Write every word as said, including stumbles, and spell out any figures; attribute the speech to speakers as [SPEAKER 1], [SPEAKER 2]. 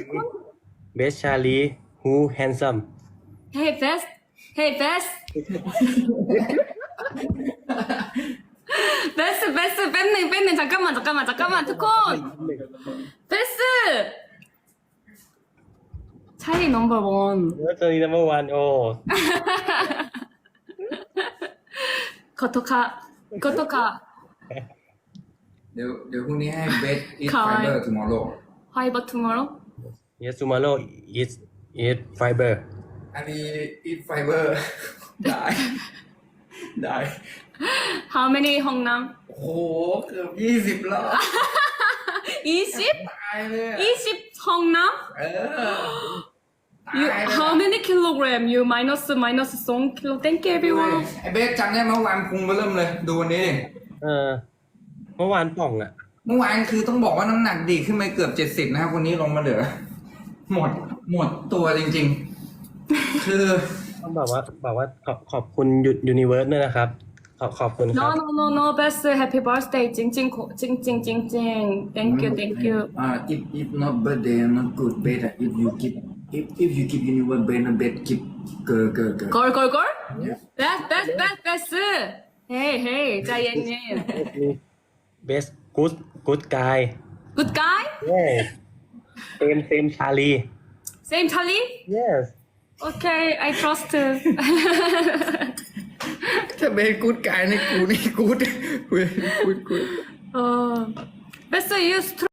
[SPEAKER 1] ทุกคน
[SPEAKER 2] best Charlie who handsome
[SPEAKER 1] Hey best Hey best best best แป๊บหนึ่งแป๊บหนึ่ง잠깐만 잠깐만 잠깐만 ทุกคน best ใช่ number one
[SPEAKER 2] เออตัวนี้ number one โอ้
[SPEAKER 1] ขอโทษค่ะขอโทษค่ะ
[SPEAKER 3] เดี๋ยวเดี๋ยวพรุ่งนี้ให้เบสอีท
[SPEAKER 1] ค่ะ
[SPEAKER 3] ไฟเบอร์ tomorrow
[SPEAKER 1] Fiber tomorrow
[SPEAKER 2] yes tomorrow is eat fiber
[SPEAKER 3] อันนี้อีทไฟเบอร์ ได้ ได้
[SPEAKER 1] How many ห้องน้
[SPEAKER 3] โอ้โหเกือบยี่สิบแล้ว
[SPEAKER 1] ำยี่สิบ
[SPEAKER 3] ตายเลยอะ
[SPEAKER 1] ยี่สิบห้องน้
[SPEAKER 3] เออ
[SPEAKER 1] ำ You
[SPEAKER 3] ตายเลย
[SPEAKER 1] how many kilogram you minus minus สองกิโล Thank you
[SPEAKER 3] เว้ย
[SPEAKER 1] everyone
[SPEAKER 3] ไอเบสจำได้เมื่อวานพุงเริ่มเลย ดูวันนี้ดิ
[SPEAKER 2] เออเมื่อวานป่องอ่ะ
[SPEAKER 3] เมื่อวานคือต้องบอกว่าน้ำหนักดีขึ้นไปเกือบเจ็ดสิบนะครับวันนี้ลงมาเหลือ หมดหมดตัวจริงๆ คือ
[SPEAKER 2] ต้องบอกว่าบอกว่าขอบขอบคุณยูนิเวิร์สด้วยนะครับ ขอบขอบคุณค
[SPEAKER 1] No
[SPEAKER 2] รับ
[SPEAKER 1] no no no best happy birthday จริงจริงจริงจริงจริงจริง Thank you thank you
[SPEAKER 3] อ่า if if not birthday not good bet if you keep if if you keep universe bet not bet keep เกอเกอเกอ
[SPEAKER 1] Girl girl girl best best best best Hey hey ใจเย็น
[SPEAKER 2] best good good guy
[SPEAKER 1] Good guy
[SPEAKER 2] yes same same Charlie
[SPEAKER 1] Same Charlie
[SPEAKER 2] yes
[SPEAKER 1] Okay I trust
[SPEAKER 3] ถ้าเบสกูดกายในกูนี่กูดกูดกูด
[SPEAKER 1] 어 best you